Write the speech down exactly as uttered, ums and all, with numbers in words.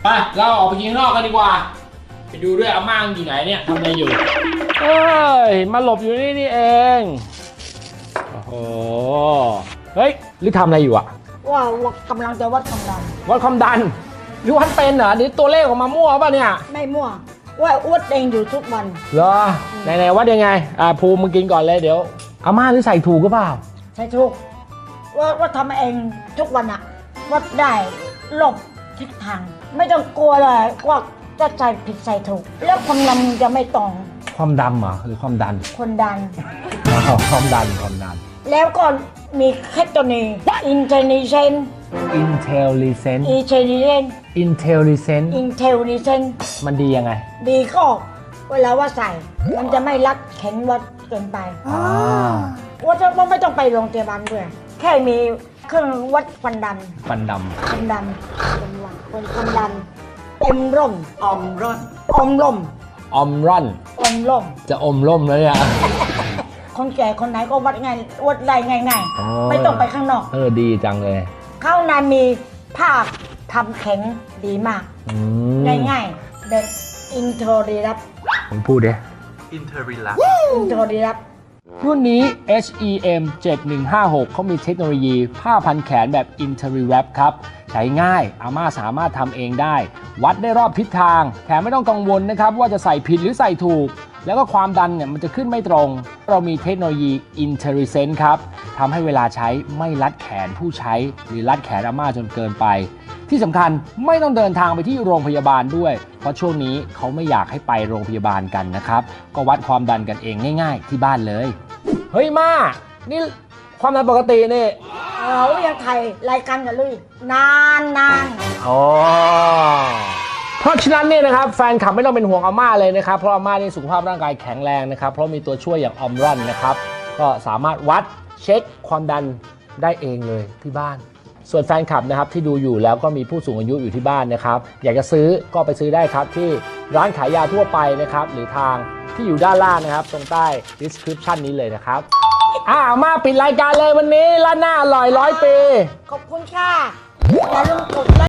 ไปเราออกไปกินข้างนอกกันดีกว่าไปดูด้วยอาม่าอยู่ไหนเนี่ยทำอะไรอยู่เฮ้ยมาหลบอยู่นี่นี่เองโอ้โหเฮ้ยหรือทำอะไรอยู่อะว่ากำลังจะวัดความดันวัดความดันหรือวัดเป็นเหรอนี่ตัวเลขออกมามั่วป่ะเนี่ยไม่มั่วว่าวัดเองอยู่ทุกวันเหรอไหนๆวัดยังไงอ่าภูมิมึงกินก่อนเลยเดี๋ยวอาม่าหรือใส่ถูกก็เปล่าใส่ถูกว่าว่าทำเองทุกวันอะวัดได้หลบทิศทางไม่ต้องกลัวเลยว่าจะใส่ผิดใส่ถูกแล้วความดันจะไม่ตรงความดำเหรอหรือความดันความดันความดันความดันแล้วก็มีแค่ตัวนี้ intelligent intelligent intelligent intelligent intelligent มันดียังไงดีก็เวลาว่าใส่มันจะไม่รัดแข็งวัดเกินไปว่าจะว่าไม่ต้องไปโรงพยาบาลด้วยแค่มีเครื่องวัดความดันความดำความดันความดันเอ็มร่มอมร่อนอมร่มอมร่อนอมร่มจะอมร่มแล้วเนี่ยคนแก่คนไหนก็วัดง่ายวัดได้ง่ายๆไม่ต้องไปข้างนอกเออดีจังเลยข้างในมีผ้าทำแข็งดีมากง่ายๆเดินอินโทรดีรับผมพูดดิอินเทอริลับอินโทรดีรับรุ่นนี้ เอช อี เอ็ม เจ็ดหนึ่งห้าหก เขามีเทคโนโลยีผ้าพันแขนแบบ Interiwrap ครับใช้ง่ายอาม่าสามารถทำเองได้วัดได้รอบทิศทางแถมไม่ต้องกังวลนะครับว่าจะใส่ผิดหรือใส่ถูกแล้วก็ความดันเนี่ยมันจะขึ้นไม่ตรงเรามีเทคโนโลยี Intelligent ครับทำให้เวลาใช้ไม่รัดแขนผู้ใช้หรือรัดแขนอาม่าจนเกินไปที่สำคัญไม่ต้องเดินทางไปที่โรงพยาบาลด้วยเพราะช่วงนี้เขาไม่อยากให้ไปโรงพยาบาลกันนะครับก็วัดความดันกันเองง่ายๆที่บ้านเลยเฮ้ยมานี่ความดันปกตินี่เรายังไทยรายการกันเลยนานนานอ๋อเพราะฉะนั้นเนี่ยนะครับแฟนคลับไม่ต้องเป็นห่วงอาม่าเลยนะครับเพราะอาม่านี่สุขภาพร่างกายแข็งแรงนะครับเพราะมีตัวช่วยอย่างออมรอนนะครับก็สามารถวัดเช็คความดันได้เองเลยที่บ้านส่วนแฟนคลับนะครับที่ดูอยู่แล้วก็มีผู้สูงอายุอยู่ที่บ้านนะครับอยากจะซื้อก็ไปซื้อได้ครับที่ร้านขายยาทั่วไปนะครับหรือทางที่อยู่ด้านล่างนะครับตรงใต้ description นี้เลยนะครับอ่ามาปิดรายการเลยวันนี้ร้านหน้าอร่อยร้อยปีขอบคุณค่ะอย่าลืมกดไลค์